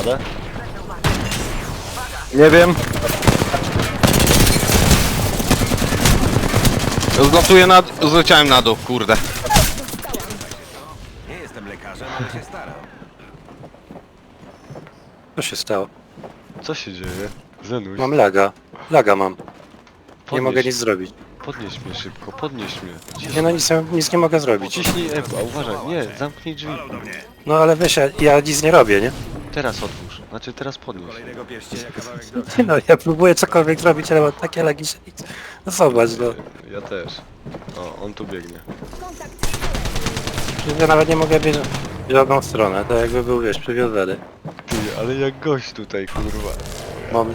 radę? Nie wiem. Zleciałem na dół, kurde. Nie jestem lekarzem, ale się staram. Co się stało? Co się dzieje? Zenuś, Mam laga. Laga mam. Nie podnieś, mogę nic zrobić. podnieś mnie szybko, podnieś mnie. Nie no, nic nie mogę zrobić. Ciśnij F, a uważaj, nie, zamknij drzwi. No ale wiesz, ja nic nie robię, nie? Teraz otwórz, znaczy teraz podnieś. Kolejnego pierścienia kawałek do... Nie no, ja próbuję cokolwiek zrobić, ale mam takie lagi, że nic. No zobacz, no. Ja też. O, on tu biegnie. Ja nawet nie mogę biec w żadną stronę, to jakby był, wiesz, przywiązany. Ty, ale jak gość tutaj, kurwa. Mam...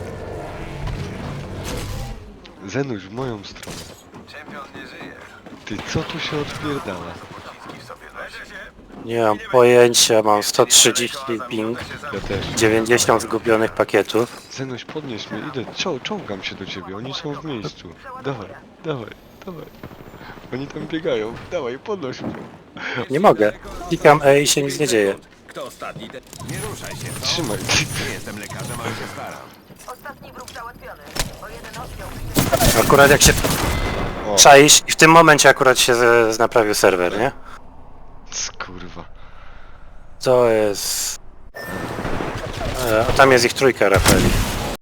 Zenuś, w moją stronę. Czempion nie żyje. Ty, co tu się odpierdala? Nie mam pojęcia, mam 130 ping, Ja też. 90 zgubionych pakietów. Zenuś, podnieś mnie, idę, czołgam się do ciebie, oni są w miejscu. Dawaj, dawaj, dawaj. Oni tam biegają, dawaj, podnoś mnie. Nie mogę. Klikam E i się nic nie dzieje. Kto ostatni? Nie ruszaj się, co? Trzymaj. Nie jestem lekarzem, ale się staram. Ostatni wróg załatwiony. O jeden oddział. Akurat jak się O, czaisz i w tym momencie akurat się naprawił serwer, nie? kurwa. To jest... A tam jest ich trójka, Rafeli.